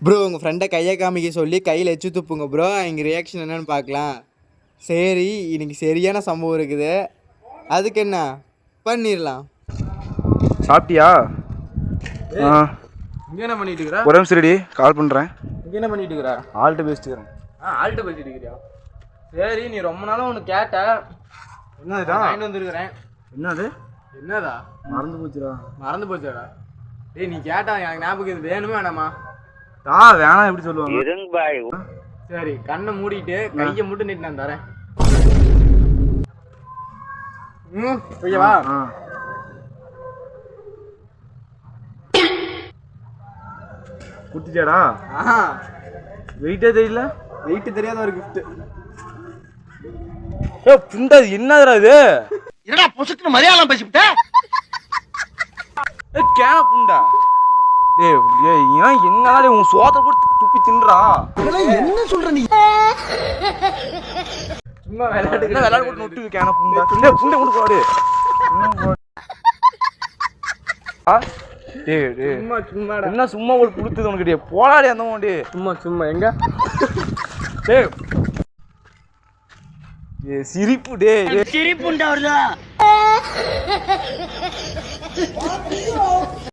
Bro உங்கள் ஃப்ரெண்டை கையை காமிக்க சொல்லி கையில் எச்சு துப்புங்க ப்ரோ. எங்கள் ரியாக்ஷன் என்னன்னு பார்க்கலாம். சரி, இன்னைக்கு சரியான சம்பவம் இருக்குது. அதுக்கு என்ன பண்ணிடலாம். சாப்பிட்டியா? இங்கே என்ன பண்ணிட்டு இருக்கிற? ஒரு நிமிஷம் ரெடி, கால் பண்ணுறேன். இங்கே என்ன பண்ணிட்டு இருக்கிற? ஆள்கிட்ட பேசிட்டு இருக்கிறேன். ஆள்கிட்ட பேசிட்டு இருக்கிறியா? சரி, நீ ரொம்ப நாளாக ஒன்று கேட்ட. என்னதுடா? வாங்கிட்டு வந்துருக்கிறேன். என்னது? என்னதா? மறந்து போச்சுடா. மறந்து போச்சாடா? டேய், நீ கேட்டா எனக்கு ஞாபகம் இது வேணுமே வேணாமா? வேணாம் எப்படி சொல்லுவாங்க? சரி, கண்ணை மூடிட்டு கையை மட்டும் நீட்டு நான் தரேன். ஓகேவா? குட்டிச்சாடா? வெயிட்டே தெரியல. வெயிட் தெரியாத ஒரு கிஃப்ட். புண்டா என்னதுடா இது? என்னடா பொசுக்குன்னு மலையாளம் பேசிவிட்ட? கேன புண்டா. டேய் ஏன் என்னடா உன் சோத்தை போட்டு துப்பி தின்றா? என்ன சொல்ற நீ? சும்மா விளையாட்டு விளையாட போட்டு நொட்டு கேன புண்டா. டேய் புண்டை கொண்டு போடு. டேய் டேய் சும்மா சும்மாடா. என்ன சும்மா ஒரு புடுத்துது உனக்கு? டேய் போடாடி அந்த மோண்டி. சும்மா சும்மா எங்க? டேய் சிரிப்பு. டேய் சிரிப்புண்டா வருதா?